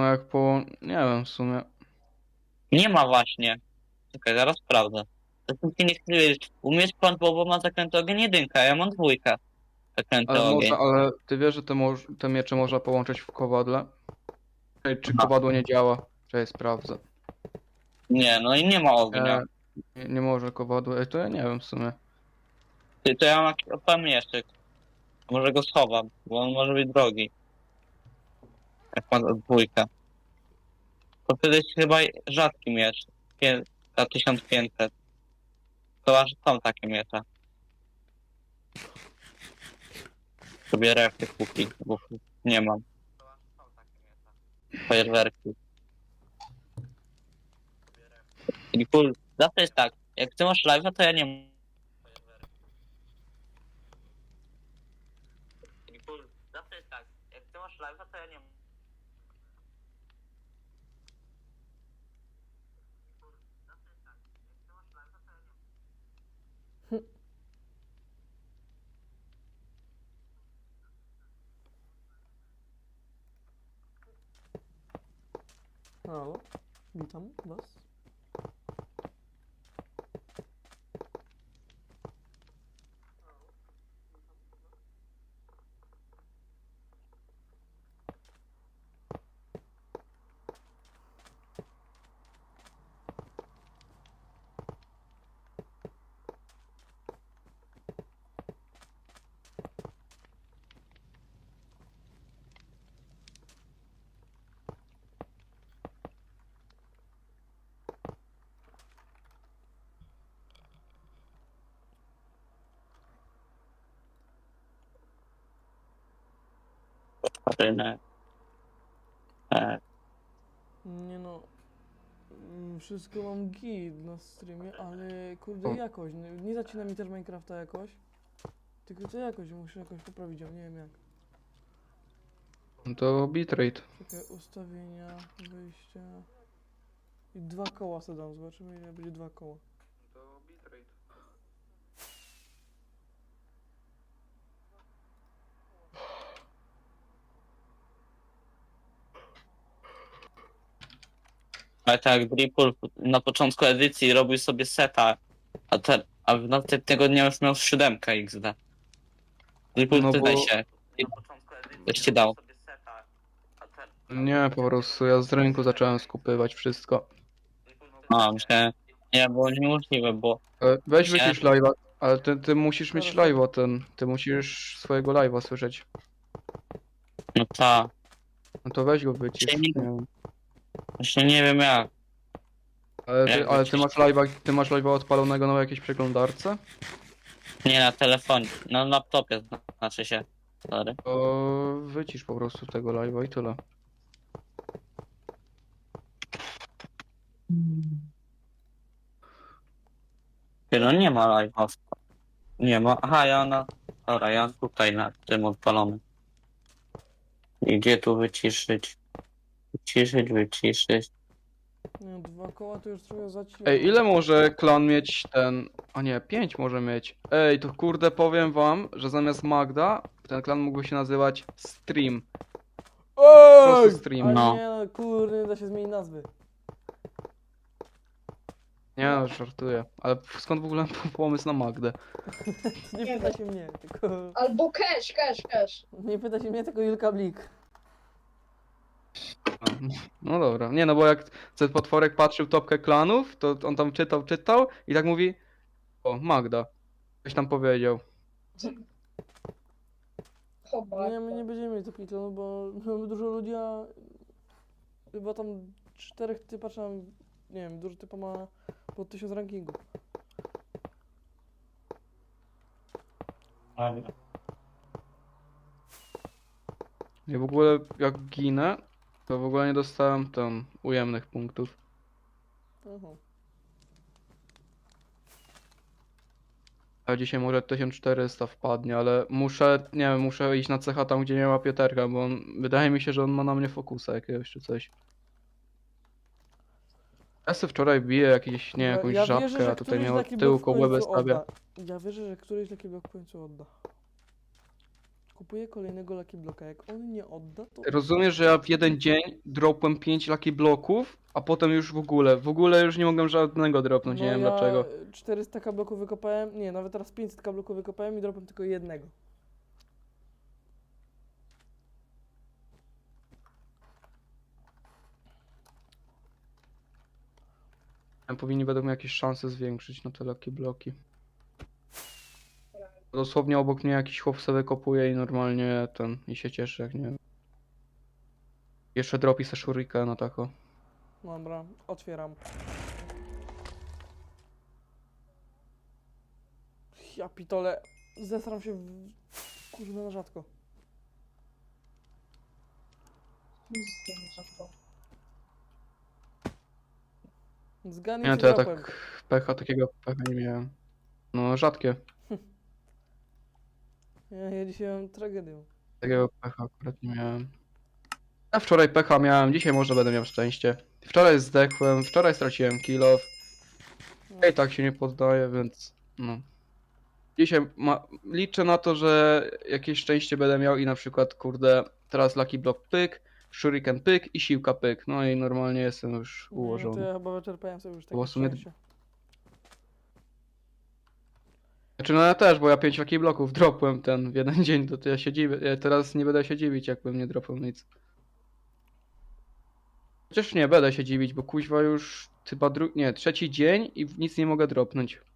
No jak po... nie wiem w sumie. Nie ma właśnie. Czekaj, zaraz sprawdzę. To ty nie chcę wiedzieć. Umiesz pan, bo ma zakręty ogień jedynka, a ja mam dwójkę. Zakręty Ale ogień. można, ale ty wiesz, że te miecze można połączyć w kowadle? Ej, czy Aha. kowadło nie działa? Czekaj, sprawdzę. Nie, no i nie ma ognia. Nie, nie może kowadło. Ej, to ja nie wiem w sumie. Ty, to ja mam jakiś odpalny mieszczyk. Może go schowam, bo on może być drogi. Jak ma dwójkę. To wtedy jest chyba rzadki miecz. Za 1500. To aż są takie miecze. Sobie refy kupi, bo nie mam. Fajerwerki. I cool. Zawsze jest tak. Jak ty masz live'a, to ja nie mam. Zawsze jest tak. Jak ty masz live'a, to ja nie mam. Halo, witam was. Rynek. Nie no, wszystko mam git na streamie, ale kurde jakoś, nie zacina mi też Minecrafta jakoś. Tylko to jakoś, muszę jakoś poprawić, ja nie wiem jak. No to bitrate. Czekaj, ustawienia, wyjścia. I 2 koła sobie dam, zobaczymy ile będzie 2 koła. To bitrate. Ale tak, Dripul na początku edycji robił sobie seta, a w następnego dnia już miał 7 XD. Dripul, No ty daj bo... się. Coś ci dał. Nie, po prostu ja z rynku zacząłem skupywać wszystko. A, myślałem, nie, było niemożliwe, bo Weź Myślałem, wycisz live'a, ale ty musisz mieć Dobra, live'a ty musisz swojego live'a słyszeć. no ta, No to weź go wycisz. Czyli- Nie wiem. właśnie nie wiem jak. Ale ty, Jak ale ty wyciszyć? masz live'a odpalonego na jakiejś przeglądarce? Nie na telefonie, na laptopie znaczy się. Sorry. To wycisz po prostu tego live'a i tyle. Ty, no nie ma live'a. Nie ma. Aha, ja na. Dobra, ja tutaj na tym odpalony. I gdzie tu wyciszyć? Wyciszyć. Nie, 2 koła to już trochę zacina. Ej, ile może klan mieć ten... A nie, 5 może mieć. Ej, to kurde powiem wam, że zamiast Magda, ten klan mógłby się nazywać Stream. Ej! stream. Ale No. nie no, kurde, nie da się zmienić nazwy. Nie no, żartuję. Ale skąd w ogóle pomysł na Magdę? Nie pyta się mnie, tylko... Albo cash. Nie pyta się mnie, tylko Julka Blik. A, no dobra. Nie no, bo jak ten potworek patrzył topkę klanów, to on tam czytał i tak mówi: o, Magda. Ktoś tam powiedział. Chyba. Nie, my nie będziemy mieli takich klanów, bo mamy dużo ludzi, a chyba tam 4 typa, czy tam, nie wiem, dużo typa ma pod 1000 rankingu. Ja w ogóle jak ginę, to w ogóle nie dostałem tam ujemnych punktów. Aha. A dzisiaj może 1400 wpadnie, ale muszę, nie wiem, muszę iść na cecha tam, gdzie nie ma Pieterka, bo wydaje mi się, że on ma na mnie fokusa jakiegoś czy coś. Ja sobie wczoraj biję jakiś, nie wiem, jakąś Ja żabkę, wierzę, że a tutaj któryś miał taki tyłko blok w łebę końcu stawia. odda. Ja wierzę, że któryś taki blok w końcu odda. Kupuję kolejnego Lucky Blocka. Jak on nie odda, to... Rozumiesz, że ja w jeden dzień dropłem 5 Lucky Bloków, a potem już w ogóle już nie mogłem żadnego dropnąć, nie wiem ja dlaczego. 400 bloków wykopałem, nie, nawet teraz 500 bloków wykopałem i dropłem tylko jednego. Powinni według mnie jakieś szanse zwiększyć na te Lucky Bloki. Dosłownie obok mnie jakiś chłop sobie wykopuje i normalnie i się cieszy, jak nie wiem. Jeszcze dropi se shurikena tako. Dobra, otwieram. Ja pitole, zesram się kurwa na rzadko. Zgadnij, Nie, co to ja dropłem. tak takiego pecha nie miałem. No rzadkie. Ja dzisiaj mam tragedię. Takiego pecha akurat nie miałem. Ja wczoraj pecha miałem, dzisiaj może będę miał szczęście. Wczoraj zdechłem, wczoraj straciłem kill off. Ja i tak się nie poddaję, więc no. Dzisiaj liczę na to, że jakieś szczęście będę miał i na przykład, kurde, teraz Lucky Block pyk, Shuriken pyk i siłka pyk. No i normalnie jestem już No to ułożony. ja chyba wyczerpałem sobie już Bo takie w sumie- szczęście. Znaczy no ja też, bo ja 5 Lucky Blocków dropłem w jeden dzień, to ja się dziwię. Ja teraz nie będę się dziwić, jakbym nie dropał nic. Chociaż nie, będę się dziwić, bo kuźwa już chyba trzeci dzień i nic nie mogę dropnąć.